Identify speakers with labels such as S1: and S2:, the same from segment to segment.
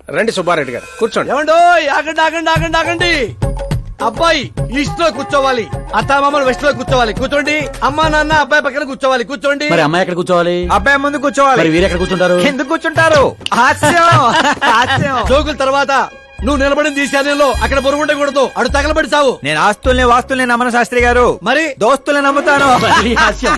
S1: రండి సుబ్బారెడ్డి గారు కూర్చోండి.
S2: ఏమండో ఆగండి ఆగండి ఆగండి ఆగండి. అబ్బాయి ఈస్ట్ లో కూర్చోవాలి, అత్తామామలు వెస్ట్ లో కూర్చోవాలి. కూర్చోండి. అమ్మా నాన్న అబ్బాయి పక్కన కూర్చోవాలి. కూర్చోండి.
S3: మరి అమ్మాయి ఎక్కడ కూర్చోవాలి?
S4: అబ్బాయి ముందు కూర్చోవాలి.
S3: మరి వీరు ఎక్కడ కూర్చుంటారు?
S4: ఎందుకు కూర్చుంటారు?
S2: జోకుల తర్వాత నువ్వు నిలబడింది ఈశాన్యంలో, అక్కడ బరువు ఉండకూడదు. అడు తగలబడి సావు.
S4: నేను ఆస్తుల్ని వాస్తుల్ని నమ్మను శాస్త్రి గారు,
S2: మరి
S4: దోస్తుల్ని నమ్ముతాను.
S3: మళ్ళీ హాస్యం.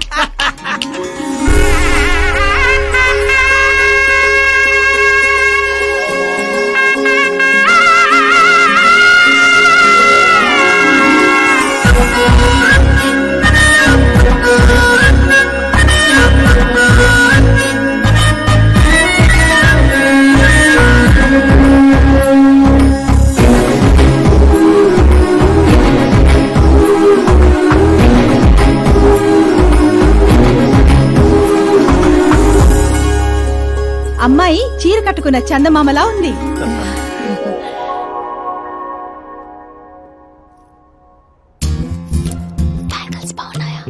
S5: అమ్మాయి చీర కట్టుకున్న చందమామలా ఉంది.
S6: బ్యాంగిల్స్ బాగున్నాయా?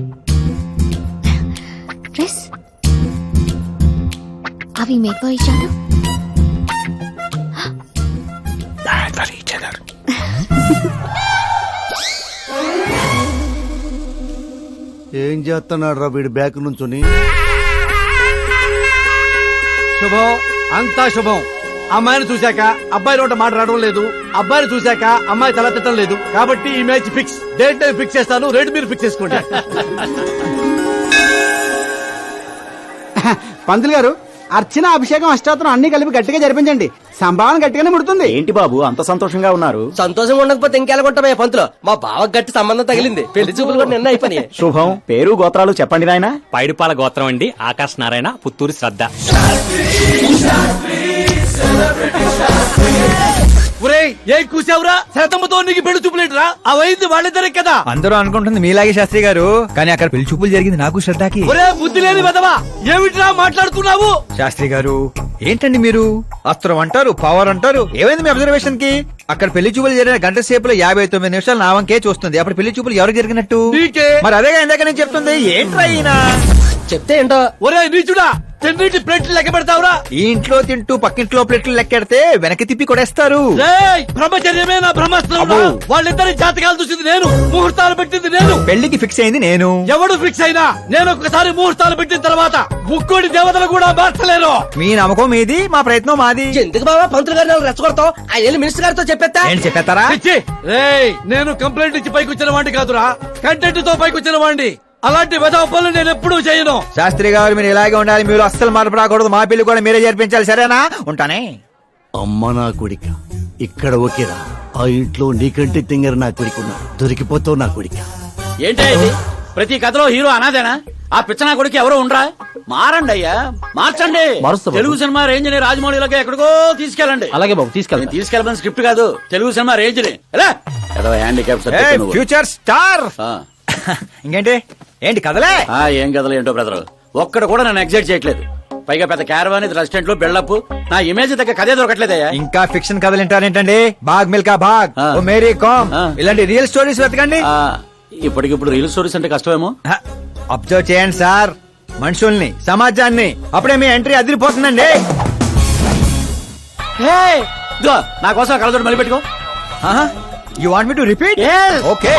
S6: డ్రెస్ అవి మేక్ ఫర్ ఈచ్ అదర్.
S2: ఏం చేస్తున్నాడు రా వీడు బ్యాక్ నుంచుని? శుభం, అంతా శుభం. అమ్మాయిని చూశాక అబ్బాయి నోట మాట రావడం లేదు, అబ్బాయిని చూశాక అమ్మాయి తల తిట్టడం లేదు. కాబట్టి ఈ match fix. Date time fix చేస్తాను, రేట్ మీరు ఫిక్స్ చేసుకోండి.
S7: పంతులు గారు, అర్చన అభిషేకం అష్టాత్రం అన్ని కలిపి గట్టిగా జరిపించండి. సంభావన గట్టిగానే ముడుతుంది.
S3: ఏంటి బాబు అంత సంతోషంగా ఉన్నారు?
S1: సంతోషంగా ఉండకపోతే ఇంకెలాగొంటామయ్యా పంతులు. మా బావ గట్టి సంబంధం తగిలింది, పెళ్లి చూపులు కూడా నిన్న అయిపోయినాయి.
S3: శుభం. పేరు గోత్రాలు చెప్పండి నాయన.
S8: పైడిపాల గోత్రం అండి, ఆకాశ్ నారాయణ, పుత్తూరు శ్రద్ధ.
S2: ఒరేయ్, ఏం కూసావురా? శతమ్మతో నీకు పెళ్లి చూపులేట్రా? అవైంది వాళ్ళిద్దరే కదా.
S4: అందరూ అనుకుంటుంది మీలాగే శాస్త్రి గారు, కానీ అక్కడ పెళ్లి చూపులు జరిగింది నాకు శ్రద్ధకి.
S2: ఒరే బుద్ధి లేని వెదవా, ఏమిట్రా మాట్లాడుతున్నావు?
S4: శాస్త్రి గారు ఏంటండి మీరు? అస్త్రం అంటారు, పవర్ అంటారు. ఏమైంది మీ అబ్జర్వేషన్ కి? అక్కడ పెళ్లి చూపులు జరిగిన గంట సేపులో 59 నిమిషాలు నా వంకే చూస్తుంది. అప్పుడు పెళ్లి చూపులు ఎవరు జరిగినట్టు?
S2: నీకే.
S4: మరి అదేగా ఇందాక నేను చెప్తుంది. ఏంట్రా ఈయన
S1: చెప్తే ఏంటో.
S2: ఒరే నీచుడా, తిన్నింటి ప్లేట్లు లెక్క పెడతావురా?
S4: ఈ ఇంట్లో తింటూ పక్కింట్లో ప్లేట్లు లెక్కెడితే వెనక్కి తిప్పి కొడేస్తారు.
S2: బ్రహ్మచర్యమే నా బ్రహ్మాస్త్రం. వాళ్ళిద్దరి జాతకాలు చూసింది నేను, ముహూర్తాలు పెట్టింది నేను,
S4: పెళ్లికి ఫిక్స్ అయింది నేను.
S2: ఎవడు ఫిక్స్ అయినా నేను ఒక్కసారి ముహూర్తాలు పెట్టిన తర్వాత ముక్కోడి దేవతలు కూడా మార్చలేరు.
S4: మీ నమ్మకం మీది, మా ప్రయత్నం మాది.
S1: ఎందుకు బాబా పంతులు గారిని రెచ్చగొడతావు? ఆ వెళ్ళి మినిస్టర్ గారితో చెప్పేస్తా.
S4: ఏంటి చెప్పేస్తారా?
S2: నేను కంప్లైంట్ ఇచ్చి పైకి వచ్చిన వాడిని కాదురా, కంటెంట్ తో పైకి వచ్చిన వాడిని. అలాంటి వెధవ పనులు నేను ఎప్పుడూ చేయను.
S4: శాస్త్రి గారు మీరు ఇలాగే ఉండాలి, మీరు అస్సలు మార్పు రాకూడదు. మా పెళ్లి కూడా మీరే జరిపించాలి, సరేనా? ఉంటానే.
S2: అమ్మ నా కొడిక, ఇక్కడ ఓకేరా. ఆ ఇంట్లో నీకంటే తింగర నా కొడుకున్నాడు. దొరికిపోతావు నా కొడిక.
S3: ఏంటి ప్రతి కథలో హీరో అనాదేనా? ఆ పిచ్చనా కొడుకు ఎవరో ఉండరా? మారండి అయ్యా, మార్చండి. తెలుగు సినిమా రేంజ్ ని రాజమౌళిలోకి ఎక్కడికో తీసుకెళ్ళండి.
S8: అలాగే బాబు, తీసుకెళ్ళండి.
S3: తీసుకెళ్ళమని స్క్రిప్ట్ కాదు, తెలుగు సినిమా రేంజ్ ని. Handicap
S4: future star. ఇంకేంటి ఏంటి కదలే?
S3: ఏం కథలు ఏంటో బ్రదర్, ఒక్కడ కూడా నన్ను ఎగ్జైట్ చేయట్లేదు. పైగా పెద్ద క్యారవాన్, రెస్టారెంట్ లో బిల్డప్, నా ఇమేజ్ దగ్గర కథే దొరకట్లేదయ్యా.
S4: ఇంకా ఫిక్షన్ కథలు వింటారేంటండి? బాగ్ మిల్కా బాగ్, ఓ మేరీ కామ్, ఇలాంటి రియల్ స్టోరీస్ వెతకండి.
S3: ఇప్పటికిప్పుడు రియల్ స్టోరీస్ అంటే కష్టమేమో.
S4: అబ్జర్వ్ చేయండి సార్, మనుషుల్ని, సమాజాన్ని. అప్పుడే మీ ఎంట్రీ అదిరిపోతుందండి.
S3: నా కోసం కళ్ళజోడు మళ్ళీ పెట్టుకో.
S4: You want me to repeat? Okay.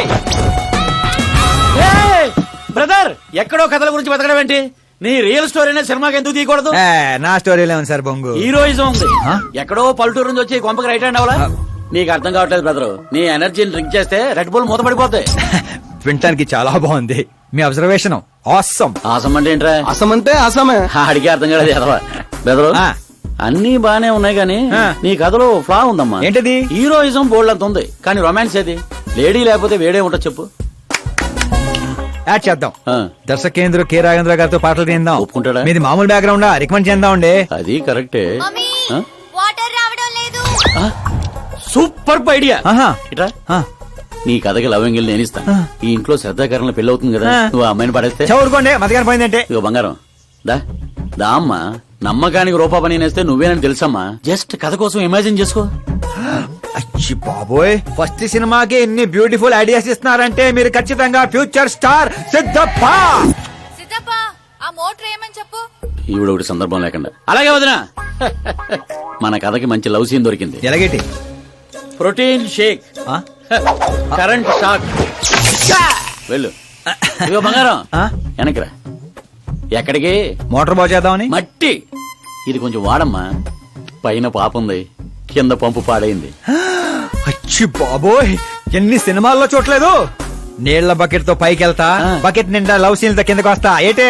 S3: Brother, ఎక్కడో కథల గురించి బతకడం ఏంటి? నీ రియల్ స్టోరీనే సినిమాకి ఎందుకు తీయకూడదు?
S4: నా స్టోరీలో ఉంది సార్ బొంగు.
S3: హీరోయిజం ఉంది. ఎక్కడో పల్లెటూరు నుంచి వచ్చి కొంపకి రైట్ హ్యాండ్ అవ్వాలా? నీకు అర్థం కావట్లేదు బ్రదర్. నీ ఎనర్జీని డ్రింక్ చేస్తే రెడ్ బుల్ మూతపడిపోతాయి.
S4: వినటానికి చాలా బాగుంది మీ అబ్జర్వేషన్. ఆసమ్.
S3: ఆసం అంటే ఏంట్రా?
S2: అసం అంటే అసమే.
S3: అడిగే అర్థం కాలేదు ఎదవా. బ్రదర్, అన్ని బానే ఉన్నాయి కానీ నీ కథలో ఫ్లా ఉందమ్మా.
S4: ఏంటది?
S3: హీరోయిజం బోల్డ్ అంత ఉంది, కానీ రొమాన్స్ ఏది? లేడీ లేకపోతే వేడే ఉంటది చెప్పు.
S4: యాడ్ చేద్దాం. దర్శకేంద్ర కె రాఘవేంద్ర గారితో పాటలు తీద్దాం.
S3: ఒప్పుకుంటాడా?
S4: మీది మామూలు బ్యాక్గ్రౌండ్, రికమెండ్ చేద్దాం అండి.
S3: అది కరెక్టే.
S6: వాటర్ రావడం లేదు.
S3: Super idea. ఇట్రా,
S4: ఆ,
S3: నీ కథకి లవ్ ఎంగిల్ నేను ఇస్తాను. ఈ ఇంట్లో శ్రద్ధాకరణ పెళ్లి అవుతుంది కదా, నువ్వు ఆ అమ్మాయిని పడేస్తే.
S4: చదువుకోండి మధ్యాహ్నం పోయిందంటే.
S3: ఇగో బంగారం, దా దా అమ్మా. నమ్మకానికి రూపా పని నేస్తే నువ్వేనని తెలుసమ్మా. జస్ట్ కథ కోసం ఇమాజిన్ చేసుకో.
S4: అచ్చి బాబోయ్, ఫస్ట్ సినిమాకి ఎన్ని బ్యూటిఫుల్ ఐడియాస్ ఇస్తున్నారంటే మీరు ఖచ్చితంగా ఫ్యూచర్ స్టార్ సిద్ధప్ప.
S6: సిద్ధప్ప, ఆ మోటర్ ఏమని చెప్పు.
S3: ఈవిడ ఒకటి సందర్భం లేకుండా. అలాగే వదినా, మన కథకి మంచి లవ్ సీన్ దొరికింది.
S4: ఎలాగేటి
S3: ప్రోటీన్ షేక్,
S4: ఆ?
S3: Current shock. వెళ్ళు. ఇదిగో బంగారం,
S4: ఆ?
S3: వెనక్రా. ఎక్కడికి?
S4: మోటార్ బాగు చేద్దామని.
S3: మట్టి. ఇది కొంచెం వాడమ్మా. పైన పాపుంది, కింద పంపు పాడైంది.
S4: అచ్చి బాబోయ్, ఎన్ని సినిమాల్లో చూడలేదు. నీళ్ల బకెట్ తో పైకి వెళ్తా, బకెట్ నిండా లవ్ సీన్ తో కిందకి వస్తా. ఏటే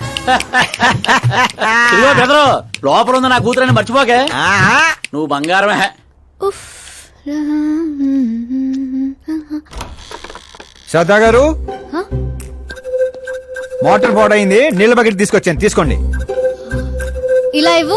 S3: ఇదిగో బెదరు, లోపల ఉంది నా కూతురని మర్చిపోకే.
S4: ఆహా.
S3: నువ్వు బంగారమే.
S6: ఉఫ్.
S4: శ్రద్ధా గారు,
S6: హ?
S4: మోటార్ పాడైంది, నీళ్ల బకెట్ తీసుకొచ్చాను, తీసుకోండి.
S6: ఇలా ఇవ్వు.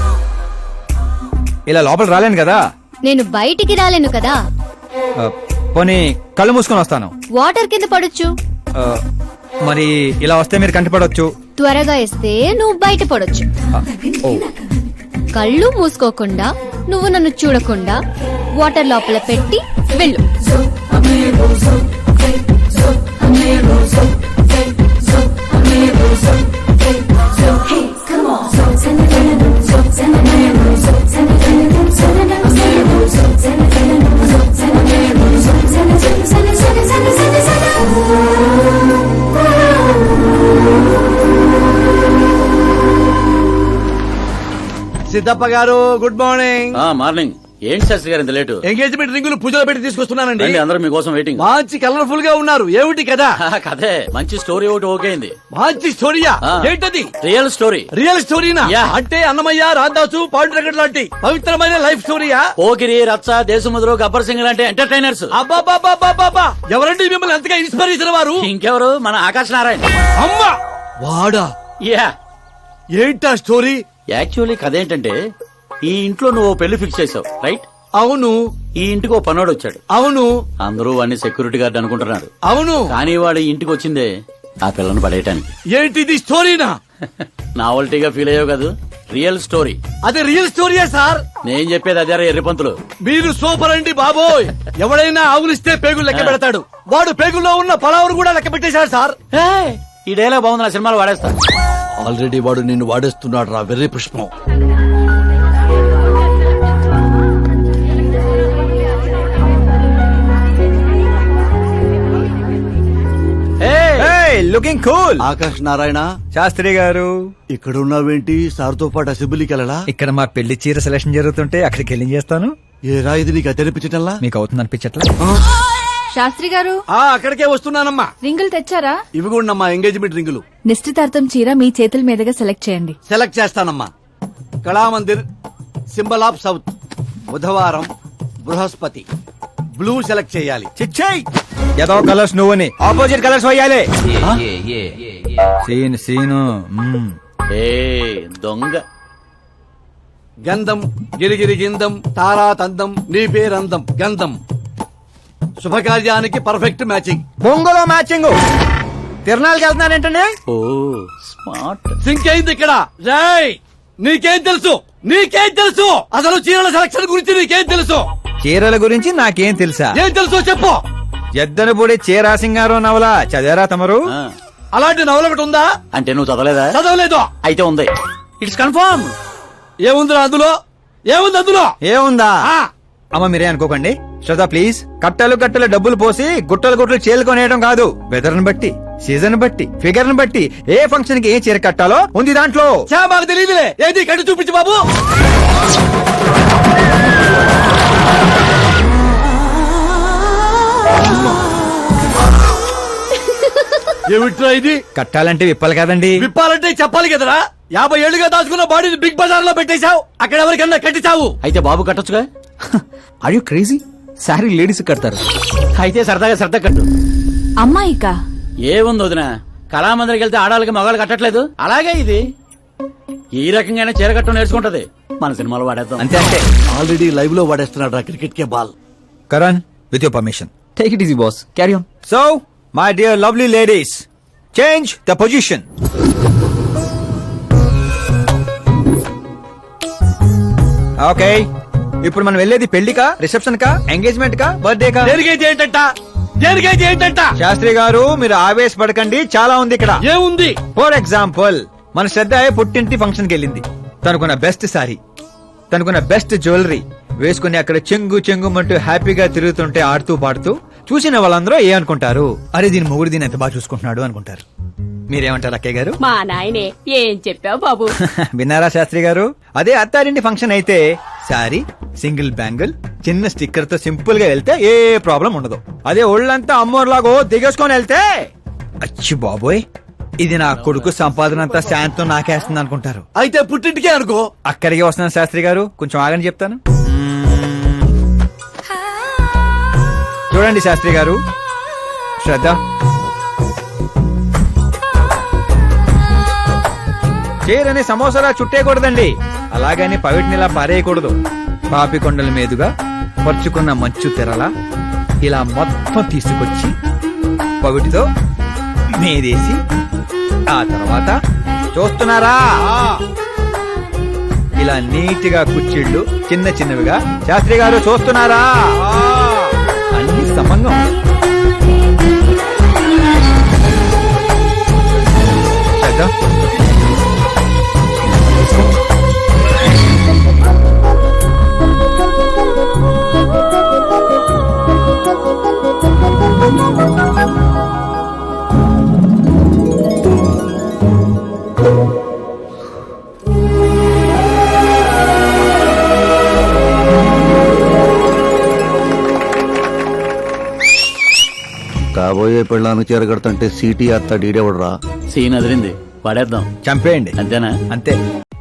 S4: ఇలా లోపల రాలేను కదా.
S6: నేను బయటికి రాలేను కదా.
S4: ఆ, పోనీ కళ్ళు మూసుకొని వస్తాను.
S6: వాటర్ కింద పడొచ్చు.
S4: ఆ, మరి ఇలా వస్తే మీరు కంటిపడవచ్చు.
S6: త్వరగా ఇస్తే నువ్వు బయట పడొచ్చు.
S4: ఓ,
S6: కళ్ళు మూసుకోకుండా, నువ్వు నన్ను చూడకుండా వాటర్ లోపల పెట్టి వెళ్ళు.
S2: సిద్ధప్ప గారు, గుడ్ మార్నింగ్.
S3: మార్నింగ్. ఏంటి శాస్త్రి గారు ఇంత లేటు?
S2: ఎంగేజ్మెంట్ రింగులు పూజలో పెట్టి తీసుకొస్తున్నానండి.
S3: రండి, అందరూ మీకోసం వెయిటింగ్.
S2: మంచి కలర్ఫుల్ గా ఉన్నారు. ఏమిటి కదా?
S3: కదే, మంచి స్టోరీ ఒకటి ఓకే అయింది.
S2: మంచి స్టోరీయా?
S3: ఆ.
S2: ఏంటది?
S3: Real story.
S2: రియల్ స్టోరీనా?
S3: యా.
S2: అంటే అన్నమయ్య, రాధాసు, పాండురంగడ్ లాంటి పవిత్రమైన లైఫ్ స్టోరీయా?
S3: పోకిరి, రచ్చ, దేశముద్రు, గబ్బర్ సింగ్ లాంటి ఎంటర్టైనర్స్.
S2: అబ్బాబాబాబాబా, ఎవరండి మిమ్మల్ని ఎంతగా ఇన్స్పైర్ చేసిన వారు?
S3: ఇంకెవరు, మన ఆకాశ్ నారాయణ.
S2: అమ్మా వాడా?
S3: యా.
S2: ఏంటా స్టోరీ?
S3: యాక్చువల్లీ కథ ఏంటంటే, ఈ ఇంట్లో నువ్వు ఓ పెళ్లి ఫిక్స్ చేసావు, రైట్?
S2: అవును.
S3: ఈ ఇంటికి ఓ పనోడు వచ్చాడు.
S2: అవును.
S3: అందరూ వాడిని సెక్యూరిటీ గార్డ్ అనుకుంటున్నారు.
S2: అవును.
S3: కానీ వాడు ఇంటికి వచ్చిందే ఆ పిల్లను పడేయటానికి.
S2: ఏంటిది స్టోరీనా?
S3: నావల్టీగా ఫీల్ అయ్యావు కదా. Real story.
S2: అదే రియల్ స్టోరీయా సార్?
S3: నేను చెప్పేది అదే ఎర్రిపంతులు.
S2: మీరు సూపర్ అండి బాబోయ్. ఎవడైనా ఆవులిస్తే పేగులు లెక్క పెడతాడు. వాడు పేగుల్లో ఉన్న పలావురు కూడా లెక్క పెట్టేశాడు సార్.
S3: ఏయ్, ఈ డైలాగ్ బాగుంది, నా సినిమాలో వాడేస్తా.
S2: ఆల్రెడీ వాడు నిన్ను వాడేస్తున్నాడు రా వెర్రి పుష్పం.
S4: Looking cool.
S2: ఆకాశ్ నారాయణ
S4: శాస్త్రి గారు,
S2: ఇక్కడ ఉన్నావేంటి? సార్తో పాటు అసెంబ్లీకి వెళ్ళడా?
S4: ఇక్కడ మా పెళ్లి చీర సెలక్షన్ జరుగుతుంటే అక్కడికి వెళ్ళి చేస్తాను.
S2: ఏ రా ఇది నీకు తెరిపించటల్లా?
S4: మీకు అవుతుంది అనిపించట్లా?
S5: శాస్త్రి గారు,
S2: అక్కడికే వస్తున్నానమ్మా.
S5: రింగులు తెచ్చారా?
S2: ఇవి కూడా అమ్మా ఎంగేజ్మెంట్ రింగులు.
S5: నిశ్చితార్థం చీర మీ చేతుల మీదుగా సెలెక్ట్ చేయండి.
S2: సెలెక్ట్ చేస్తానమ్మా. కళామందిర్, సింబల్ ఆఫ్ సౌత్, బుధవారం, బృహస్పతి. బ్లూ సెలెక్ట్ చేయాలి.
S4: చిచ్చాయి ఏదో కలర్స్ నువ్వుని ఆపోజిట్ కలర్స్ వేయాలి. Scene scene.
S3: ఏ దొంగ.
S2: గంధం, గిరిగిరి గిందం, తారా తందం, నీ పేరందం, గంధం. శుభకార్యానికి పర్ఫెక్ట్ మ్యాచింగ్.
S4: బొంగులో మ్యాచింగ్. తిరణాలకి వెళ్తున్నారేంటండి?
S3: ఓ స్మార్ట్.
S2: సింక్ అయింది ఇక్కడ. రేయ్, నీకేం తెలుసు? నీకేం తెలుసు? అసలు చీరల సెలక్షన్ గురించి నీకేం తెలుసు?
S4: చీరల గురించి నాకేం తెలుసా?
S2: ఏం తెలుసు చెప్పు.
S4: ఎద్దను పొడి చీరా సింగారో నవల చదివారా తమరు?
S3: ఆ,
S2: అలాంటి నవల ఒకటి ఉందా?
S3: అంటే నువ్వు చదవలేదా?
S2: చదవలేదు.
S3: అయితే ఉంది. It's confirm.
S2: ఏముందిరా అందులో? ఏముంది అందులో?
S4: ఏముందా?
S2: ఆ,
S4: అమ్మ మీరే అనుకోకండి. శ్రద్ధ ప్లీజ్. కట్టలు కట్టలు డబ్బులు పోసి గుట్టలు గుట్టలు చీరలు కొనేయడం కాదు. వెదర్ ని బట్టి, సీజన్ బట్టి, ఫిగర్ ని బట్టి ఏ ఫంక్షన్ కి ఏ చీర కట్టాలో ఉంది దాంట్లో.
S2: చా మాకు తెలియదులే. ఏది కట్టి చూపించు బాబు. ఏమిట్రా ఇది?
S4: కట్టాలంటే విప్పాలి కదండి.
S2: విప్పాలంటే చెప్పాలి కదరా. 50 ఏళ్లుగా దాచుకున్న బాడీని బిగ్ బజార్ లో పెట్టేశావు. అక్కడ ఎవరికన్నా కట్టించావు.
S3: అయితే బాబు కట్టొచ్చుగా.
S1: Are you crazy? Sorry ladies కడతారు.
S3: అయితే సరదాగా శ్రద్ధ కట్టు.
S5: అమ్మాయికా?
S3: ఏముంది వదిన, కళామందిరికి వెళ్తే ఆడాలకి మగాళ్ళు కట్టట్లేదు, అలాగే ఇది ఈ రకంగానే చీర కట్టడం నేర్చుకుంటది. మన సినిమాలో వాడేద్దాం.
S4: అంతే అంటే.
S2: ఆల్రెడీ లైవ్ లో వాడేస్తున్నాడు రా క్రికెట్ కే ball.
S4: Karan, with your permission.
S1: Take it easy boss, carry on.
S4: So my dear lovely ladies, change the position. Okay, ఇప్పుడు మనం వెళ్ళేది పెళ్లికా, రిసెప్షన్ కా, ఎంగేజ్మెంట్ కా, బర్త్డే కా?
S2: దేనికైతే ఏంటంట? దేనికైతే ఏంటంట?
S4: శాస్త్రి గారు మీరు ఆవేశపడకండి, చాలా ఉంది ఇక్కడ.
S2: ఏముంది?
S4: ఫర్ ఎగ్జాంపుల్, మన శ్రద్ధ పుట్టింటి ఫంక్షన్ కి వెళ్ళింది. తనకున్న బెస్ట్ సారీ, తనకున్న బెస్ట్ జ్యువెలరీ వేసుకుని అక్కడ చెంగు చెంగుమంటూ హ్యాపీగా తిరుగుతుంటే ఆడుతూ పాడుతూ చూసిన వాళ్ళందరూ ఏ అనుకుంటారు, అరే దీని మొగుడు దీన్ని ఎంత బాగా చూసుకుంటున్నాడు అనుకుంటారు. మీరేమంటారు అక్కయ్య గారు?
S9: మా నాయనే ఏం చెప్పావు బాబు.
S4: విన్నారా శాస్త్రి గారు? అదే అత్తారింటి ఫంక్షన్ అయితే సారీ, సింగిల్ బ్యాంగిల్, చిన్న స్టిక్కర్ తో సింపుల్ గా వెళ్తే ఏ ప్రాబ్లం ఉండదు. అదే ఒళ్ళంతా అమ్మోర్లాగో దిగేసుకొని వెళ్తే అచ్చి బాబోయ్ ఇది నా కొడుకు సంపాదన అంతా శాంతం నాకేస్తుంది అనుకుంటారు.
S2: అయితే పుట్టింటికే అనుకో.
S4: అక్కడికి వస్తున్నాను శాస్త్రి గారు, కొంచెం ఆగని చెప్తాను. చూడండి శాస్త్రి గారు, శ్రద్ధ, చీరని సమోసాలా చుట్టేయకూడదండి, అలాగని పవిటినిలా పారేయకూడదు. పాపికొండల మీదుగా పరుచుకున్న మంచు తెరలా ఇలా మొత్తం తీసుకొచ్చి పవిటితో మీదేసి ఆ తర్వాత చూస్తున్నారా ఇలా నీట్ గా కుచ్చిళ్ళు చిన్న చిన్నవిగా. శాస్త్రి గారు చూస్తున్నారా? అన్ని సమంగా ఉన్నాయి. శ్రద్ధ,
S10: కాబోయే పెళ్ళానికి చేరగడతంటే సీటీ అత్త డీడేవడరా.
S3: సీన్ అదిరింది, పడేద్దాం.
S4: చంపేయండి,
S3: అంతేనా?
S4: అంతే.